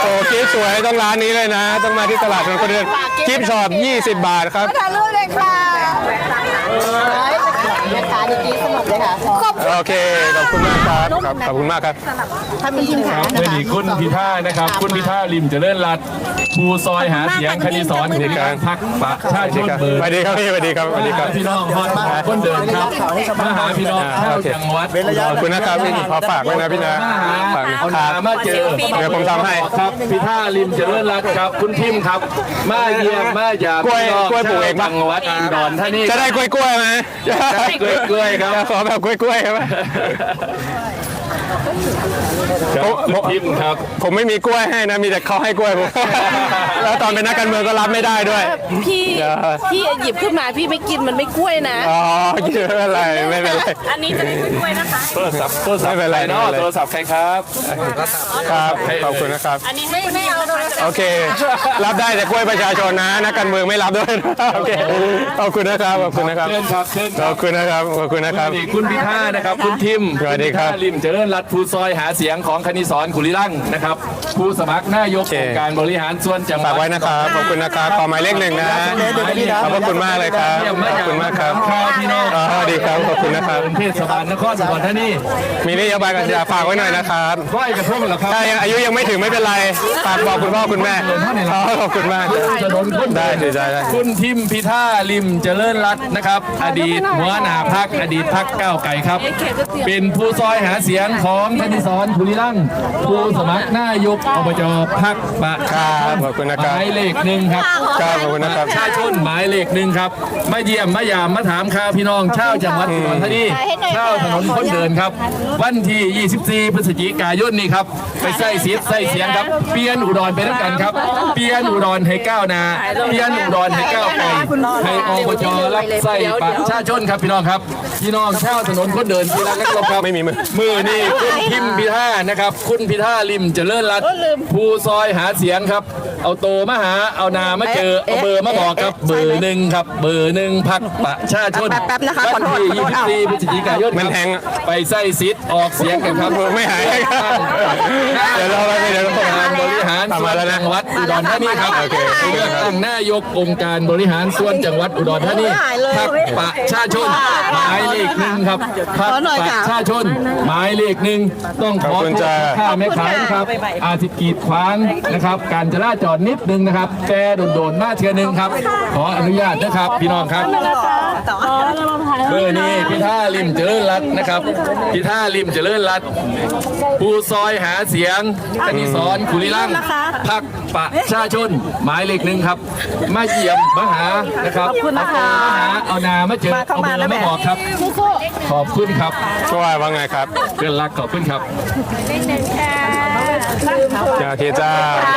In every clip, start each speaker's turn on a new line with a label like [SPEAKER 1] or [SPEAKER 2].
[SPEAKER 1] โอ้กิ๊บสวยต้องร้านนี้เลยนะ ต้องมาที่ตลาดคนเดินกิ๊บช็อป20 บาทครับ
[SPEAKER 2] ถ่ายรูปเลยค่ะแม่ค้าดีสนุกเลยค่ะ
[SPEAKER 1] โอเคขอบคุณมากครับขอบคุณมากครับ
[SPEAKER 2] ถ้ามีทีมขา
[SPEAKER 3] เมื่อดีคุณพิธานะครับคุณพิธาริมเจริญรัตน์ภูซอยหาเสียงคณิสอนในการพักประชาชนเบอร์
[SPEAKER 1] สวัสดีครับพี่สวัสดีครับสวัสดีครับ
[SPEAKER 3] พี่น้องคนเดินครับมาหาพี่น้องชาวจังหวัด
[SPEAKER 1] ขอบคุณนะครับพี่ขอฝากไว้นะพี่นะฝาก
[SPEAKER 3] ขามาเจอ
[SPEAKER 1] เดี๋ยวผมทำให้
[SPEAKER 3] ครับพิธาริมเจริญรัตน์ครับคุณทิมครับมาเยี่ยมมาหยาบ
[SPEAKER 1] กล้วยปลูกเอง
[SPEAKER 3] จังหวัดอุดรธานี
[SPEAKER 1] จะได้กล้วยไหม
[SPEAKER 3] กล้วยครับ
[SPEAKER 1] ขอแบบกล้วยครับผมไม่มีกล้วยให้นะมีแต่เขาให้กล้วยผมแล้วตอนเป็นนักการเมืองก็รับไม่ได้ด้วย
[SPEAKER 2] พี่หยิบขึ้นมาพี่ไม่กินมันไม่กล้วยนะ
[SPEAKER 1] อ๋อไม่เป็นไรไม่เป็นไร
[SPEAKER 2] อันนี้จะไม่กล้วยนะคะ
[SPEAKER 3] โทรศัพท์ไม่เป็นไรเนาะโทรศัพท์ใครครับ
[SPEAKER 1] ครับขอบคุณนะครับ
[SPEAKER 2] อันนี้ไม่เอา
[SPEAKER 1] โอเครับได้แต่กล้วยประชาชนนะนักการเมืองไม่รับด้วยโอเคขอบคุณนะครับขอบคุณนะครับขอบคุณนะครับขอบคุณนะครับ
[SPEAKER 3] คุณพิธานะครับคุณทิม
[SPEAKER 1] สวัสดีครับ
[SPEAKER 3] ริมเจริญรัตน์ภูซอยหาเสียงของคณิสอนขุริลั่งนะครับผู้สมัครนายกองค์การบริหารส่วนจังหวัด
[SPEAKER 1] ฝากไว้นะครับขอบคุณนะครับขอหมายเลข 1นะขอบคุณมากเลยครับขอบคุณมากครับ
[SPEAKER 3] พี่น้อง
[SPEAKER 1] สวัสดีครับขอบคุณนะครับ
[SPEAKER 3] เทศบาลนครอุดรธานี
[SPEAKER 1] มีนโยบายการจะฝากไว้หน่อยนะครับ
[SPEAKER 3] ไหว้กับพวกเราครับ
[SPEAKER 1] ถ้ายังอายุยังไม่ถึงไม่เป็นไรฝากบอกคุณพ่อคุณแม่ขอบคุณมากได้
[SPEAKER 3] คุณทิมพิธาริมเจริญรัตน์นะครับอดีตหัวหน้าพรรคอดีตพรรคก้าวไกลครับเป็นผู้ซอยหาเสียงของคณิสอนขุริลั่งผู้สมัครนายกอบจพรรคประชาชน
[SPEAKER 1] ขอบคุณนะครับ
[SPEAKER 3] หมายเลข 1ครับ
[SPEAKER 1] ขอบคุณนะครับ
[SPEAKER 3] ประชาชนหมายเลข 1ครับมาเยี่ยมมายามมาถามข่าวพี่น้องชาวจังหวัดอุดรธานีชาวถนนคนเดินครับวันที่24พฤศจิกายนนี้ครับไปใส่เสียงครับเปลี่ยนอุดรไปด้วยกันครับเปลี่ยนอุดรให้ก้าวหน้าเปลี่ยนอุดรให้ก้าวไกลให้อบจรับใส่ประชาชนครับพี่น้องครับพี่น้องชาวถนนคนเดินที่รักครับ
[SPEAKER 1] ไม่มี
[SPEAKER 3] มือนี่คุณทิมพิธานะครับคุณพิธาริมเจริญรัตน์ผู้ซอยหาเสียงครับเอาโตมาหาเอานามาเจอเอาเบอร์มาบอกครับเบอร์ 1ครับเบอร์ 1พรรคประชาชนวันที่24พฤศจิกายน
[SPEAKER 1] มันแทง
[SPEAKER 3] ไปใส่สิทธิ์ออกเสียงกันครับ
[SPEAKER 1] ไม่หายเดี๋ยวเราไปเดี๋ยว
[SPEAKER 3] การบริหารส่วนจังหวัดอุดรธานีครับเลือกตั้งนายกองค์การบริหารส่วนจังหวัดอุดรธานีพรรคประชาชนหมายเลข 1ครับพรรคประชาชนหมายเลข 1ต้องขอค่าแม่ขายนะครับอาทิตย์กีดขวางนะครับการจราจรนิดนึงนะครับแต่โดนมาเทื่อนึงครับขออนุญาตนะครับพี่น้องครับเมื่อนี้พิธาริมเจริญรัตน์นะครับพิธาริมเจริญรัตน์ผู้ซอยหาเสียงคณิสอนขุริลั่งพรรคประชาชนหมายเลข 1ครับมาเยี่ยมมาหานะครับมาหาเอานามาเจอเอาเบอร์มาบอกครับขอบคุณครับ
[SPEAKER 1] ช่วยว่าไงครับ
[SPEAKER 3] เพื่อนรักขอบคุณครับ
[SPEAKER 1] ทีจ้า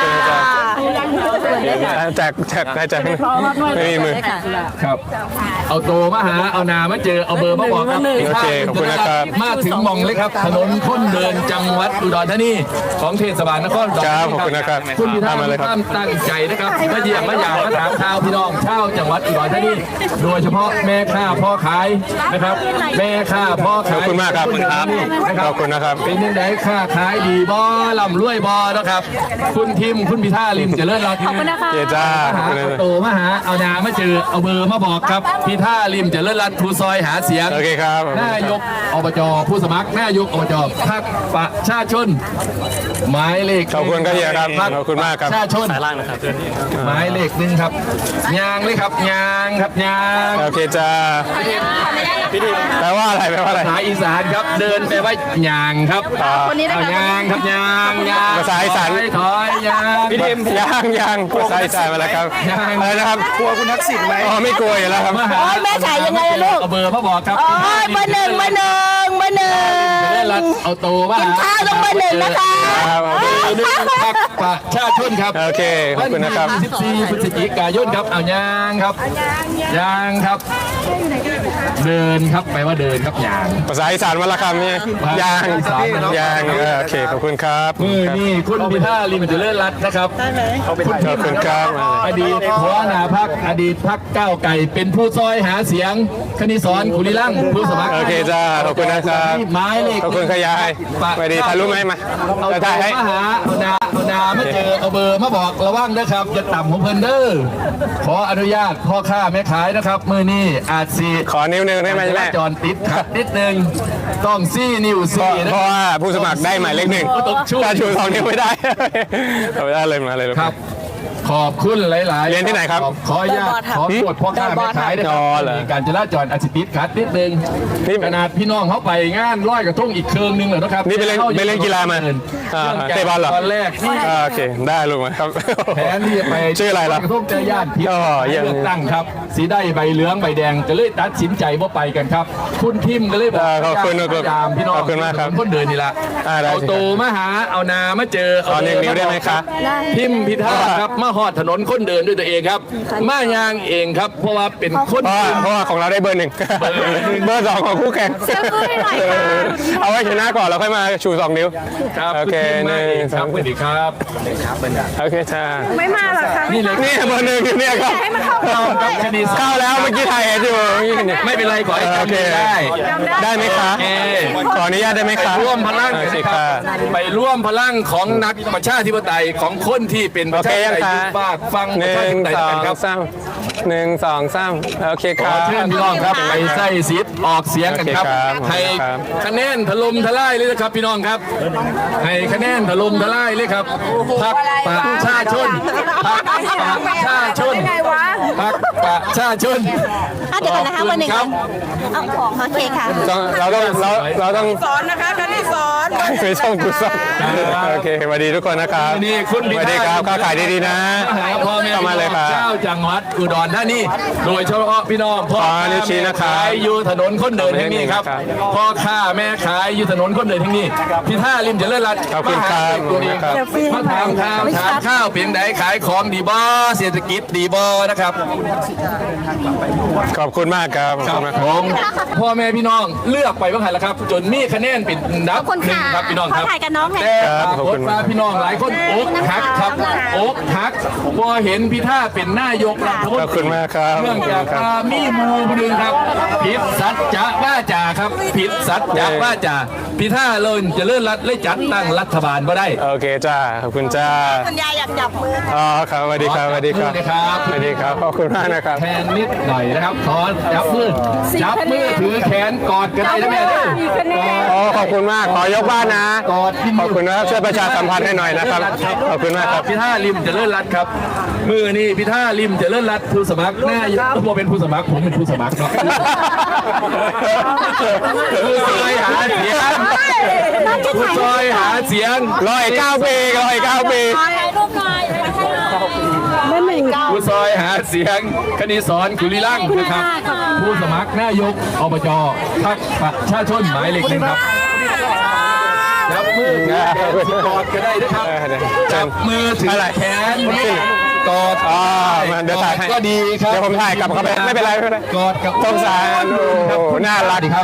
[SPEAKER 1] แจกไม่มีมือ
[SPEAKER 3] ครับเอาโตมาหาเอานามาเจอเอาเบอร์มาบอกครับ
[SPEAKER 1] โอเคขอบคุณนะครับ
[SPEAKER 3] มาถึงมองเลยครับถนนคนเดินจังหวัดอุดรธานีของเทศบาลนครอุดรธานี
[SPEAKER 1] ขอบคุณนะครับ
[SPEAKER 3] คุณพิธาตั้งใจนะครับมาเยี่ยมมาหยาบมาถามข่าวพี่น้องชาวจังหวัดอุดรธานีโดยเฉพาะแม่ค้าพ่อขายนะครับแม่ค้าพ่อขาย
[SPEAKER 1] ขอบคุณมากครับขอบคุณนะครับ
[SPEAKER 3] เป็นยังไงค้าขายดีบ่ร่ำรวยบ่นะครับคุณทิมคุณพิธาริมเจริญรัตน์
[SPEAKER 2] ขอบคุณนะคะ
[SPEAKER 1] จ้า
[SPEAKER 3] โตมาหาเอานามาเจอเอาเบอร์มาบอกครับพิธาริมเจริญรัตน์ผู้ซอยหาเสียง
[SPEAKER 1] โอเคครับ
[SPEAKER 3] นายกอบจผู้สมัครนายกอบจพรรคประชาชนหมายเลข
[SPEAKER 1] ขอบคุณครับขอบคุณมากครับ
[SPEAKER 3] ประชาชนสายล่างนะครับหมายเลข 1ครับยางเลยครับยางครับยาง
[SPEAKER 1] โอเคจ้าแปลว่าอะไรภาษา
[SPEAKER 3] อีสานครับเดินไปว่ายางครับยางครับยาง
[SPEAKER 1] ภาษาอีสาน
[SPEAKER 3] ถอยยาง
[SPEAKER 1] พี่ทิมยางภาษาอีสานมาแล้วครับอะไรนะครับ
[SPEAKER 3] กลัวคุณทักษิณไหม
[SPEAKER 1] ไม่กลัวอยู่แล้วครับ
[SPEAKER 2] แม่ขายยังไงลูก
[SPEAKER 3] เอาเบอร์มาบอกครับ
[SPEAKER 2] เบอร์ 1
[SPEAKER 3] เอาโตว่า
[SPEAKER 2] กินข้าวต้องเบอร์ 1นะคะ
[SPEAKER 3] พรรคประชาชนครับ
[SPEAKER 1] โอเคขอบคุณนะครับ
[SPEAKER 3] 14พฤศจิกายนครับเอายางครับยางครับเดินครับแปลว่าเดินครับยาง
[SPEAKER 1] ภาษาอีสานมาละคำนี่ยางโอเคขอบคุณครับ
[SPEAKER 3] นี่คุณพิธาริมเจริญรัตน์นะครับ
[SPEAKER 1] ขอบคุณครับ
[SPEAKER 3] อดีตหัวหน้าพรรคอดีตพรรคก้าวไก่เป็นผู้ซอยหาเสียงคณิสอนขุริลั่งผู้สมัคร
[SPEAKER 1] โอเคจ้าขอบคุณนะครับ
[SPEAKER 3] หมายเลข
[SPEAKER 1] ขอบคุณขยายไปดีถ่ายรูปไหมมา
[SPEAKER 3] เอาถ่ายให้มหาเอานนามาเจอเอาเบอร์มาบอกระวังนะครับจะต่ำของเพิ่นเด้อขออนุญาตพ่อค้าแม่ขายนะครับมือนี้อาจสี
[SPEAKER 1] ขอนิ้วหนึ่งได้ไหม
[SPEAKER 3] จ
[SPEAKER 1] แม่
[SPEAKER 3] ราจรติดขัดนิดนึงต้องซี่นิ้วซี่นะ
[SPEAKER 1] เพราะว่าผู้สมัครได้หมายเลขหนึ่งถ้าชูสองนิ้วไม่ได้เอาไม่ได้เลยมาเลยลูก
[SPEAKER 3] ครับ ขอบคุณหลายๆ
[SPEAKER 1] เรียนที่ไหนครับ
[SPEAKER 3] ขออนุญาตขอตรวจพ่อค้าแม่ขายนะครั
[SPEAKER 1] อ๋อเหรอ
[SPEAKER 3] มีการจราจรอาจจะติดขัดนิดนึง
[SPEAKER 1] นี่
[SPEAKER 3] ขนาดพี่น้องเขาไปงานร้อยกระทงอีกเคืองนึงเลยนะครับ
[SPEAKER 1] นี่ไปเล่นกีฬามาเตะบอลเหรอ
[SPEAKER 3] ตอนแรกที่
[SPEAKER 1] โอเคได้ลูกมาครับ
[SPEAKER 3] แผนที่จะไป
[SPEAKER 1] ชื่ออะไรล่ะ
[SPEAKER 3] กระทงเจอญาติพี่
[SPEAKER 1] อ๋อเยี่ยม
[SPEAKER 3] เลือกตั้งครับ สีได้ใบเหลืองใบแดงก็เลยตัดสินใจว่าไปกันครับ คุณทิมก็เลยบอก
[SPEAKER 1] ขอบคุณ
[SPEAKER 3] พยายามพี่น้อง
[SPEAKER 1] ขอบคุณมากครับ
[SPEAKER 3] คนเดินนี่ละ
[SPEAKER 1] ได้
[SPEAKER 3] เอา
[SPEAKER 1] สิ
[SPEAKER 3] โตมาหาเอานามาเจอ
[SPEAKER 1] ขอหนึ่งนิ้วได้ไหมครับ
[SPEAKER 3] ทิมพิธาครับมาหอดถนนคนเดินด้วยตัวเองครับ มายางเองครับ เพราะว่าเป็นคน
[SPEAKER 1] เพราะว่าของเราได้เบอร์หนึ่งเบอร์สองของคู่แข่งเอาไว้ชนะก่อนแล้วค่อยมาชูสองนิ้ว
[SPEAKER 3] ครับ
[SPEAKER 1] โอเค
[SPEAKER 3] ณทิมมา
[SPEAKER 1] หนึ่ง
[SPEAKER 3] เองครับสวัสดีครับ
[SPEAKER 1] โอเคจ้า
[SPEAKER 2] ไม่มาหรอคะ
[SPEAKER 3] นี่เลย
[SPEAKER 1] นี่เบอร์หนึ่งเนี่ยครับ
[SPEAKER 3] เรากับคดี
[SPEAKER 1] เข้าแล้วเมื่อกี้ถ่ายเห็นอยู่
[SPEAKER 3] ไม่เป็นไรขอให้
[SPEAKER 1] โอเค
[SPEAKER 3] จำได้
[SPEAKER 1] ได้ไหมคะ
[SPEAKER 3] โอเค
[SPEAKER 1] ขออนุญาตได้ไหมคะ
[SPEAKER 3] ร่วมพลัง
[SPEAKER 1] โอเค
[SPEAKER 3] นะค
[SPEAKER 1] ค่ะ
[SPEAKER 3] รับไปร่วมพลังของนักประชาธิปไตยของคนที่เป็นประชาธิปไตยยุคบ้านฟัง
[SPEAKER 1] ห
[SPEAKER 3] ประชา
[SPEAKER 1] นึ่
[SPEAKER 3] ธิ
[SPEAKER 1] ง
[SPEAKER 3] ปไตย
[SPEAKER 1] สอ
[SPEAKER 3] กั
[SPEAKER 1] ง
[SPEAKER 3] นครับ
[SPEAKER 1] สามหนึ่งสองสามโอเคค
[SPEAKER 3] ข
[SPEAKER 1] รั
[SPEAKER 3] อบ เชิญพี่น้องครับไปใส่สิทธิ์ออกเสียงกันครับ
[SPEAKER 1] โอเคครับ
[SPEAKER 3] ให้คะแนนถล่มทลายเลยนะครับพี่น้องครับให้คะแนนถล่มทลายเลยครับพรรคประชาชนพรรคประชาชนพรรคประชาชน
[SPEAKER 4] เดี๋ยวก่อนนะคะวันหนึ่ง
[SPEAKER 3] ครับ
[SPEAKER 4] เอาของโอเคค่ะ
[SPEAKER 1] เราต้อง
[SPEAKER 2] สอนนะคะคณิตสอน
[SPEAKER 1] ไปช่องกุศลโอเคสวัสดีทุกคนนะครับ
[SPEAKER 3] นี่คุณ
[SPEAKER 1] สวัสดีครับค้าขายดีๆนะ
[SPEAKER 3] หาพ่อแม่
[SPEAKER 1] เข้ามาเลยครับ
[SPEAKER 3] เจ้าจังหวัดอุดรธานีโดยเฉพาะพี่น้องพ่อ
[SPEAKER 1] นิ้วชี้นะครับ
[SPEAKER 3] ขายอยู่ถนนคนเดินแห่งนี้ครับ
[SPEAKER 1] ครับ
[SPEAKER 3] พ่อค้าแม่ขายอยู่ถนนคนเดินแห่งนี้พี่ท่าริมเจริญรัตน์
[SPEAKER 1] ขอบคุณครับ
[SPEAKER 3] ตัวเอง
[SPEAKER 1] ครับ
[SPEAKER 3] มาถามข่าวถามข้าวเพียงใดขายของดีบ่เศรษฐกิจดีบ่นะครับ
[SPEAKER 1] ขอบคุณมากครับขอบคุณมาก
[SPEAKER 3] ผ
[SPEAKER 1] ครับ
[SPEAKER 3] มพ่อแม่พี่น้องเลือกไปบ้างไงล่ะครับ จนมีคะแนนเป็นอันดับ
[SPEAKER 4] ขอบคุณ
[SPEAKER 3] หนึ่ง
[SPEAKER 4] ค่ะ
[SPEAKER 3] ครับพี่น้องครับ
[SPEAKER 4] ขอถ่ายกับน้องหน่อย
[SPEAKER 3] แต่
[SPEAKER 1] ครับ
[SPEAKER 3] ปรากฏว่าพี่น้องหลายคนอกหักครับอกหักพอเห็นพี่ท่าเป็นนายกรัฐมน
[SPEAKER 1] ขอบ
[SPEAKER 3] ต
[SPEAKER 1] คุ
[SPEAKER 3] รี
[SPEAKER 1] ณมากครับ
[SPEAKER 3] เนื่องจาก
[SPEAKER 1] ครับ
[SPEAKER 3] ว่ามีหมูคนหนึ่งครับผิดสัจจะว่าจาครับผิดสัจจะว่าจาพี่ท่าเลยจะเลื่อนรัฐเลยจัดตั้งรัฐบาลมาได้
[SPEAKER 1] โอเคจ้าขอบคุณจ้า
[SPEAKER 4] คุณยายอยากจับมือ
[SPEAKER 1] อ๋อครับสวัสดีครับสวัสดีครับ
[SPEAKER 3] สวัสดีครับ
[SPEAKER 1] สวัสดีครับขอบคุณมากนะครับ
[SPEAKER 3] แทนนิดหน่อยนะครับขอจับมือถือแขนกอดกันได้นะแม่เด้อกอด
[SPEAKER 1] โอ้ขอบคุณมากขอยกบ้านนะ
[SPEAKER 3] กอดพี่
[SPEAKER 1] ขอบคุณนะครับช่วยประชาสัมพันธ์ให้หน่อยนะครับขอบคุณมากครับ
[SPEAKER 3] พี่ท่าริมเจะเลื่อนรัฐครับมือนี่พี่ท่าริมเจะเลื่อนรัฐผู้สมัครหน้ายกผมเป็นผู้สมัครผมเป็นผู้สมัครเนาะผู้ซอยหาเสียงผู้ซอยหาเสียง
[SPEAKER 1] 109 ปี109 ปี
[SPEAKER 3] ผู้ซอยหาเสียงคณิสอนกุลิลังค์นะครับ ผู้สมัครนายกอบจพรรคประชาชนหมายเลขหนึ่งครับจับมือถือแขนกอดก็ได้นะครับจับมือถือแขนกอด
[SPEAKER 1] อ๋อมาเดี๋ยวถ่ายให้
[SPEAKER 3] ก็ดีครับ
[SPEAKER 1] เดี๋ยวผมถ่ายกลับเข้าไปไม่เป็นไรไม่เป็นไร
[SPEAKER 3] กอดกับ
[SPEAKER 1] สงสารโอ้โหน่ารัก
[SPEAKER 3] ครับ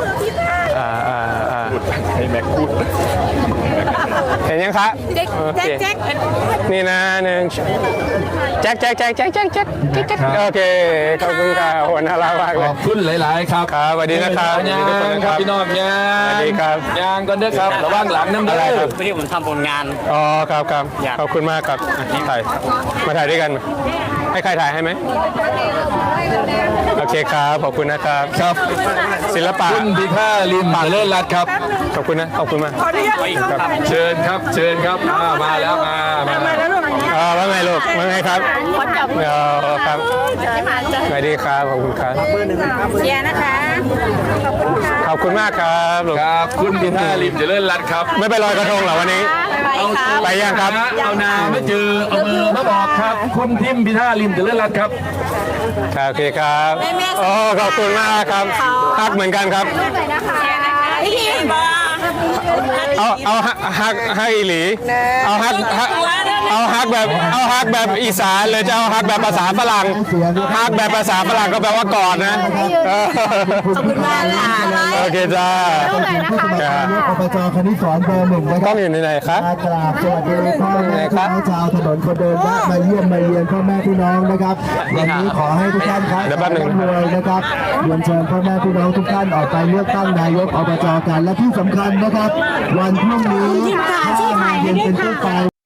[SPEAKER 1] ให้แม็กพูดเห็นยังคะโอเคนี่นะหนึ่งแจ็คโอเคขอบคุณค่ะโหน่ารักมาก
[SPEAKER 3] ข
[SPEAKER 1] เล
[SPEAKER 3] อย บคุณหลาย ๆ ครับ
[SPEAKER 1] ครับสวัสดีนะครับ
[SPEAKER 3] ยาง
[SPEAKER 1] สวัสดีทุกคน
[SPEAKER 3] ค
[SPEAKER 1] ครั
[SPEAKER 3] รับบ พี่น้องยาง
[SPEAKER 1] สวัสดีครับ
[SPEAKER 3] ยางก่อนเด้อครับระวังหลังน้ำ
[SPEAKER 1] อะไร
[SPEAKER 3] เด้
[SPEAKER 1] ครั
[SPEAKER 3] อบ
[SPEAKER 5] ที่ผมทำผลงาน
[SPEAKER 1] อ๋อครับขอบคุณมากครับถ่ายมาถ่ายด้วยกันให้ใครถ่ายให้ไหมโอเคครับขอบคุณนะครับ
[SPEAKER 3] ครับ
[SPEAKER 1] ศิลปะ
[SPEAKER 3] คุณพิธาลิมเลิศรัตน์ครับ
[SPEAKER 1] ขอบคุณนะขอบคุณมาก
[SPEAKER 3] เชิญครับมาแล้วมา
[SPEAKER 1] ว่าไงลูกว่าไงครับครับสวัสดีครับขอบคุณครับ
[SPEAKER 4] เชียร์นะคะ
[SPEAKER 1] ขอบคุณมากครับลูก
[SPEAKER 3] ครับคุณพิธาลิมเลิศรัตน์ครับ
[SPEAKER 1] ไม่ไปลอยกระทงเหรอวันนี้
[SPEAKER 4] ไปค่ะ
[SPEAKER 1] ไปยังครับ
[SPEAKER 3] เอานาไม่เจอเอามือมาบอกครับ คุณทิมพิธาลิมเลิศรัตน์ครับ
[SPEAKER 1] โอเคครับโอ้ขอบคุณมากครับฮักเหมือนกันครับ
[SPEAKER 4] พี่ทีม
[SPEAKER 1] เอาฮักอีหลีเอาฮักเอาฮักแบบอีสานเลยจะเอาฮักแบบภาษาฝรั่งฮักแบบภาษาฝรั่งก็แปลว่ากอดนะ
[SPEAKER 4] ขอบคุณมากค่ะ
[SPEAKER 1] โอเคจ้า
[SPEAKER 5] อบจคณิสรเบอร์หนึ่งนะค
[SPEAKER 1] กล้
[SPEAKER 5] รั
[SPEAKER 1] อบ งอยู่ในไหนครับ
[SPEAKER 5] กราบสวัสดีพ่อแม่พี่น้องชาวถนนคนเดินแวะมาเยี่ยมมาเยียนพ่อแม่พี่น้องนะครับวันนี้ขอให้ทุกท่านครับ
[SPEAKER 1] เดี๋ยวแป๊บหนึ่ง
[SPEAKER 5] รวยนะครับเรียนเชิญพ่อแม่พี่น้องทุกท่านออกไปเลือกตั้งนายกอบจกันและที่สำคัญนะครับ วันพรุ่งนี้5 โมงเย็นเป็นต้นไป